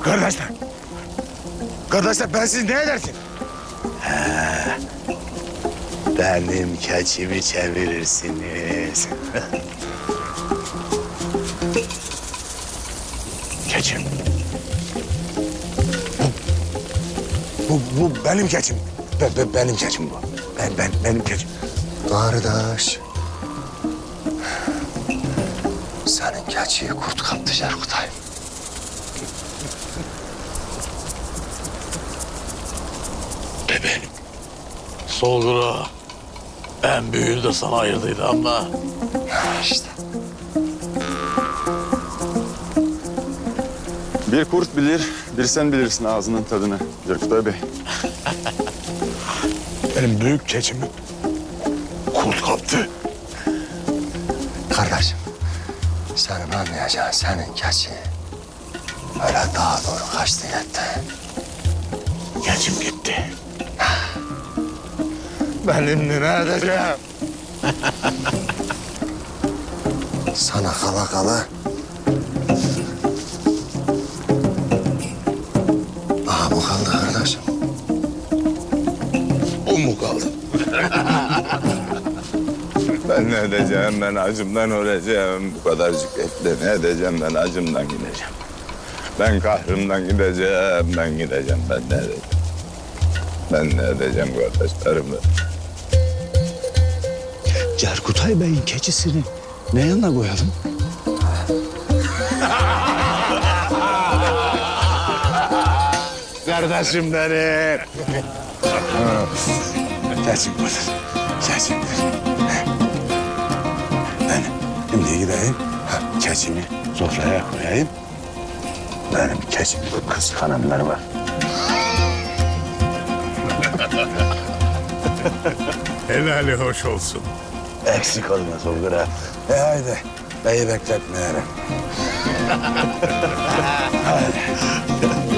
Kardeşler. Kardeşler ben siz ne edersin? Benim keçimi çevirirsiniz. Keçim. Bu benim keçim. Benim keçim bu. Benim keçim. Kardeş. Senin keçiyi kurt kaptı Cerkutay. Bebeğim. Solgura. En büyüğünü de sana ayırdıydı ama... İşte. Bir kurt bilir, bir sen bilirsin ağzının tadını Cerkutay Bey. Benim büyük keçimi kurt kaptı. Kardeşim. Senin anlayacağın senin keçi öyle daha doğru kaçtı gitti. Keçim gitti. Benim ne edeceğim? Sana kala kala. Aha bu kaldı kardeşim. O mu kaldı? Ben ne edeceğim? Ben acımdan öleceğim. Bu kadarcık etle ne edeceğim? Ben acımdan gideceğim. Ben kahrımdan gideceğim. Ben gideceğim. Ben ne edeceğim? Ben ne edeceğim kardeşlerimle? Cerkutay Bey'in keçisini ne yanına koyalım? Kardeşim benim. Keçim budur. Keçim budur. Ben şimdi gideyim. Keçimi sofraya koyayım. Benim keçimi kıskananlar var. Helali hoş olsun. Eksik olma Solgura. Haydi. Beyi bekletmeyelim. Haydi.